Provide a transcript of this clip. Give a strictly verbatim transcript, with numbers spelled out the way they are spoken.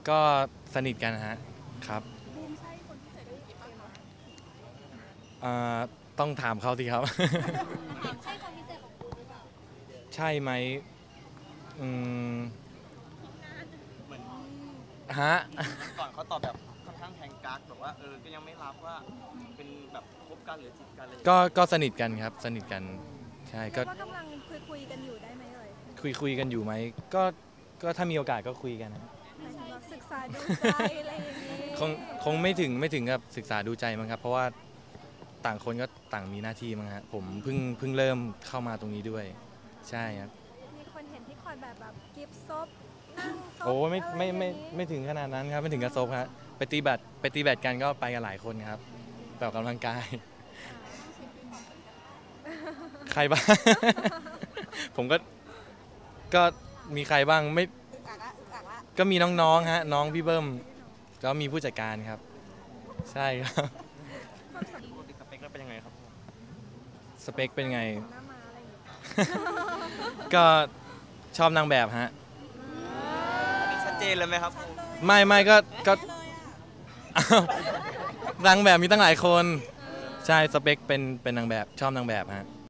ก็สนิทกันฮะครับบูมใช่คนที่ใส่ได้กี่ปีมาอ่าต้องถามเขาสิครับใช่คนพิเศษของบูมหรือเปล่าใช่ไหมอืมเหมือนฮะก่อนเขาตอบแบบค่อนข้างแทงกักแบบว่าเออก็ยังไม่รับว่าเป็นแบบคบกันหรือจีบกันอะไรอย่างก็เงี้ยก็สนิทกันครับสนิทกันใช่ก็ว่ากำลังคุยคุยกันอยู่ได้ไหมเอ่ยคุยคุยกันอยู่ไหมก็ก็ถ้ามีโอกาสก็คุยกันนะหมายถึงว่าศึกษาดูใจอะไรอย่างนี้คงคงไม่ถึงไม่ถึงกับศึกษาดูใจมั้งครับเพราะว่าต่างคนก็ต่างมีหน้าที่มั้งฮะผมเพิ่งเพิ่งเริ่มเข้ามาตรงนี้ด้วยใช่ครับมีคนเห็นที่คอยแบบแบบกิฟต์ซบนั่งซบโอ้ไม่ไม่ไม่อะรอย่างนี้ไม่ถึงขนาดนั้นครับไม่ถึงกระซบครับไปตีแบดไปตีแบดกันก็ไปกันหลายคนครับไปออกกำลังกาย ใครบ้าง ผมก็ก็มีใครบ้างไม่อึกอักละอึกอักละก็มีน้องๆฮะน้องพี่เบิ้มก็มีผู้จัดการครับใช่ครับปกติสเปคแล้วเป็นยังไงครับสเปคเป็นไงหน้ามาอะไรอย่างนี้ก็ชอบนางแบบฮะอันนี้ชัดเจนเลยไหมครับไม่ไม่ก็ก็อ้าวนางแบบมีตั้งหลายคนใช่สเปคเป็นเป็นนางแบบชอบนางแบบฮะ